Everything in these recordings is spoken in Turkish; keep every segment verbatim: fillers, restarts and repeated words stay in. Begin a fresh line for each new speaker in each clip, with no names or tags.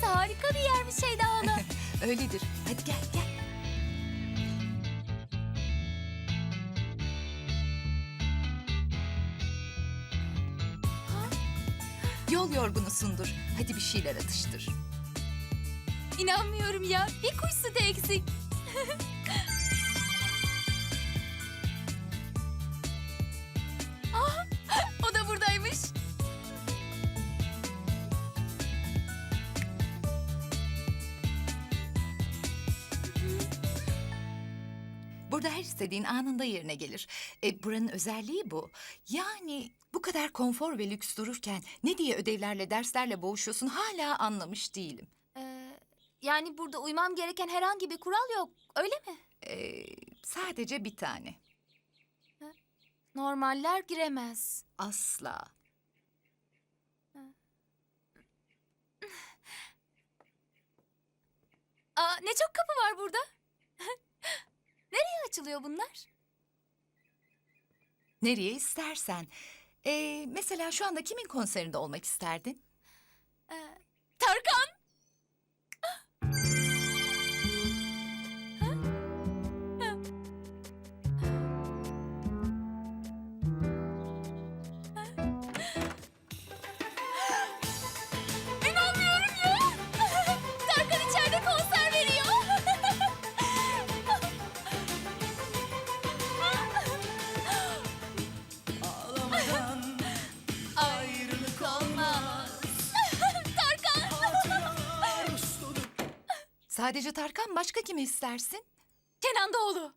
harika bir yermiş Şeyda hala.
Öyledir. Hadi gel gel. Yol yorgunusundur. Hadi bir şeyler atıştır.
İnanmıyorum ya. Bir kuş sütü eksik. Ah, o da buradaymış.
Burada her istediğin anında yerine gelir. E, buranın özelliği bu. Yani bu kadar konfor ve lüks dururken ne diye ödevlerle, derslerle boğuşuyorsun hala anlamış değilim.
Ee, yani burada uymam gereken herhangi bir kural yok. Öyle mi?
E, sadece bir tane.
Normaller giremez.
Asla.
Aa, ne çok kapı var burada. Nereye açılıyor bunlar?
Nereye istersen. E, mesela şu anda kimin konserinde olmak isterdin?
Ee, Tarkan. İnanmıyorum ya. Tarkan içeride konser veriyor.
Ağlamadan ayrılık olmaz.
Tarkan.
Hatıralar solup
Sadece Tarkan, başka kimi istersin?
Kenan Doğulu.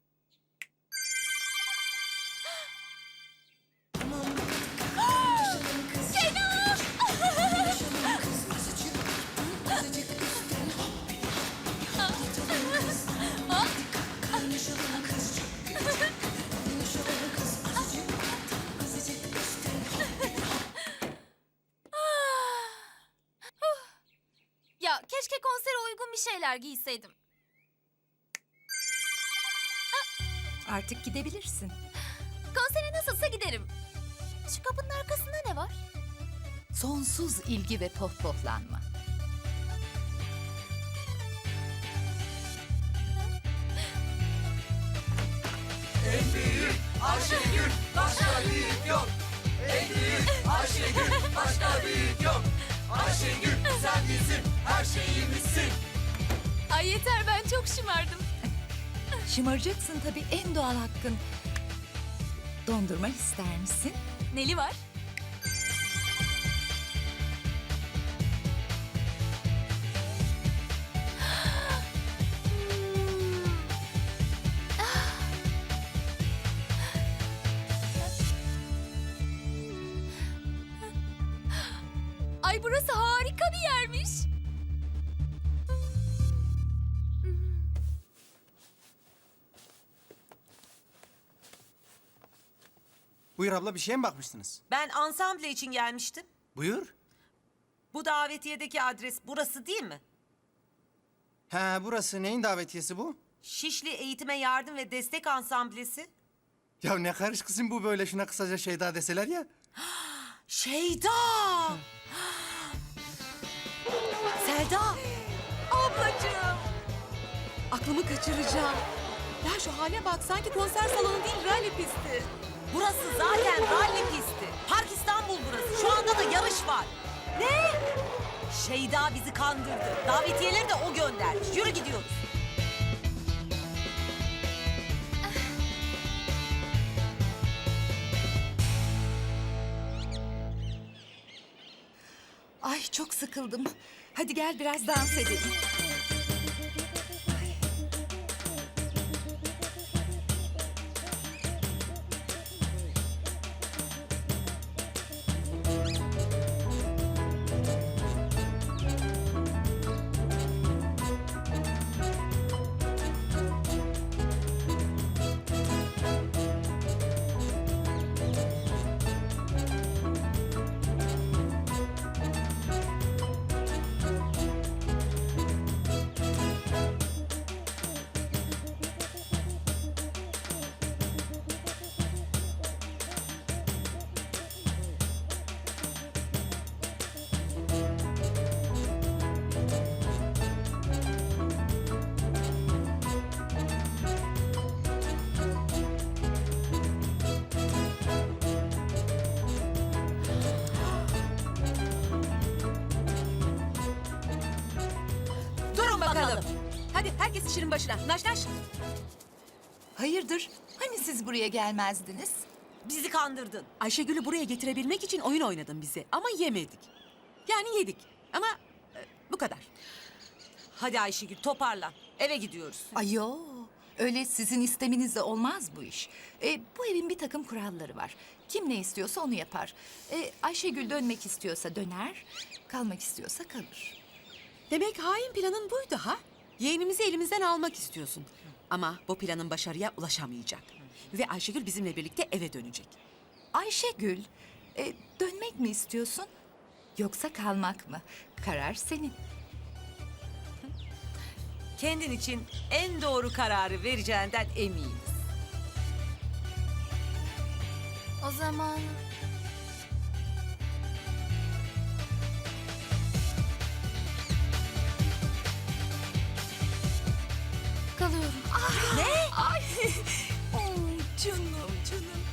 Kenan. Ya keşke konsere uygun bir şeyler giyseydim.
Artık gidebilirsin.
Konsere nasılsa giderim. Şu kapının arkasında ne var?
Sonsuz ilgi ve pohpohlanma.
en büyük Ayşegül, başka büyük yok. En büyük Ayşegül, başka büyük yok. Ayşegül sen bizim her şeyimizsin.
Ay yeter, ben çok şımardım.
Şımaracaksın tabii, en doğal hakkın. Dondurma ister misin?
Neli var? Ay burası harika bir yermiş.
Buyur abla, bir şeye mi bakmıştınız?
Ben ansamble için gelmiştim.
Buyur.
Bu davetiyedeki adres burası değil mi?
Ha, burası neyin davetiyesi bu?
Şişli Eğitime Yardım ve Destek Ansamblesi.
Ya ne karış kızım bu böyle, şuna kısaca Şeyda deseler ya.
Şeyda! Selda! Ablacığım!
Aklımı kaçıracağım. Ya şu hale bak, sanki konser salonu değil, rally pisti.
Burası zaten ralli pisti. Park İstanbul burası. Şu anda da yarış var. Ne? Şeyda bizi kandırdı. Davetiyeleri de o göndermiş. Yürü gidiyoruz.
Ay çok sıkıldım. Hadi gel biraz dans edelim.
Hadi herkes işinin başına. Naş naş.
Hayırdır? Hani siz buraya gelmezdiniz?
Bizi kandırdın.
Ayşegül'ü buraya getirebilmek için oyun oynadın bize ama yemedik. Yani yedik ama e, bu kadar.
Hadi Ayşegül toparlan. Eve gidiyoruz.
Ayo, öyle sizin isteminizle olmaz bu iş. E, bu evin bir takım kuralları var. Kim ne istiyorsa onu yapar. E, Ayşegül dönmek istiyorsa döner, kalmak istiyorsa kalır.
Demek hain planın buydu ha? Yeğenimizi elimizden almak istiyorsun. Ama bu planın başarıya ulaşamayacak. Ve Ayşegül bizimle birlikte eve dönecek.
Ayşegül, e, dönmek mi istiyorsun yoksa kalmak mı? Karar senin.
Kendin için en doğru kararı vereceğinden eminiz.
O zaman... Kalıyorum.
Oh, canım canım.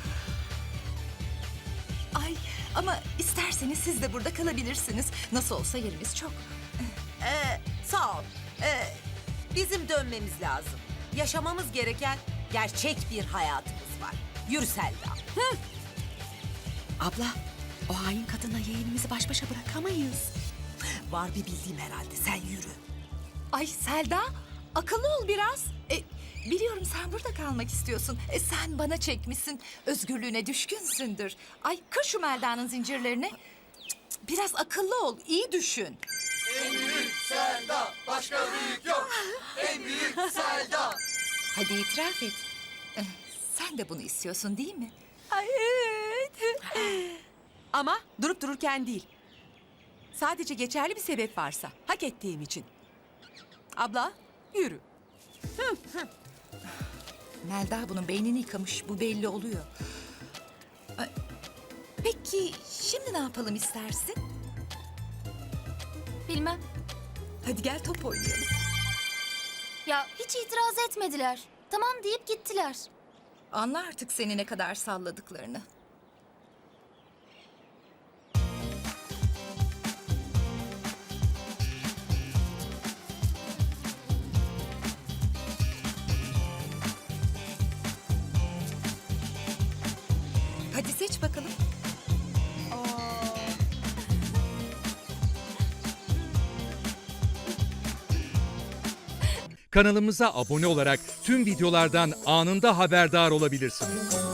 Ay ama isterseniz siz de burada kalabilirsiniz. Nasıl olsa yerimiz çok.
Ee, sağ ol. Ee, bizim dönmemiz lazım. Yaşamamız gereken gerçek bir hayatımız var. Yürü Selda.
Abla, o hain kadına yeğenimizi baş başa bırakamayız.
Var bir bildiğim herhalde. Sen yürü.
Ay Selda, akıllı ol biraz. E, biliyorum sen burada kalmak istiyorsun. E, sen bana çekmişsin, özgürlüğüne düşkünsündür. Ay kır şu Melda'nın zincirlerini. Cık, cık, biraz akıllı ol, iyi düşün.
En büyük Selda, başka büyük yok. En büyük Selda.
Hadi itiraf et. Eh, sen de bunu istiyorsun değil mi?
Ay evet. Ama durup dururken değil. Sadece geçerli bir sebep varsa, hak ettiğim için. Abla, yürü.
Melda bunun beynini yıkamış, bu belli oluyor. Ay, peki şimdi ne yapalım istersin?
Bilmem.
Hadi gel top oynayalım.
Ya hiç itiraz etmediler. Tamam deyip gittiler.
Anla artık seni ne kadar salladıklarını. Hadi seç bakalım.
Kanalımıza abone olarak tüm videolardan anında haberdar olabilirsiniz.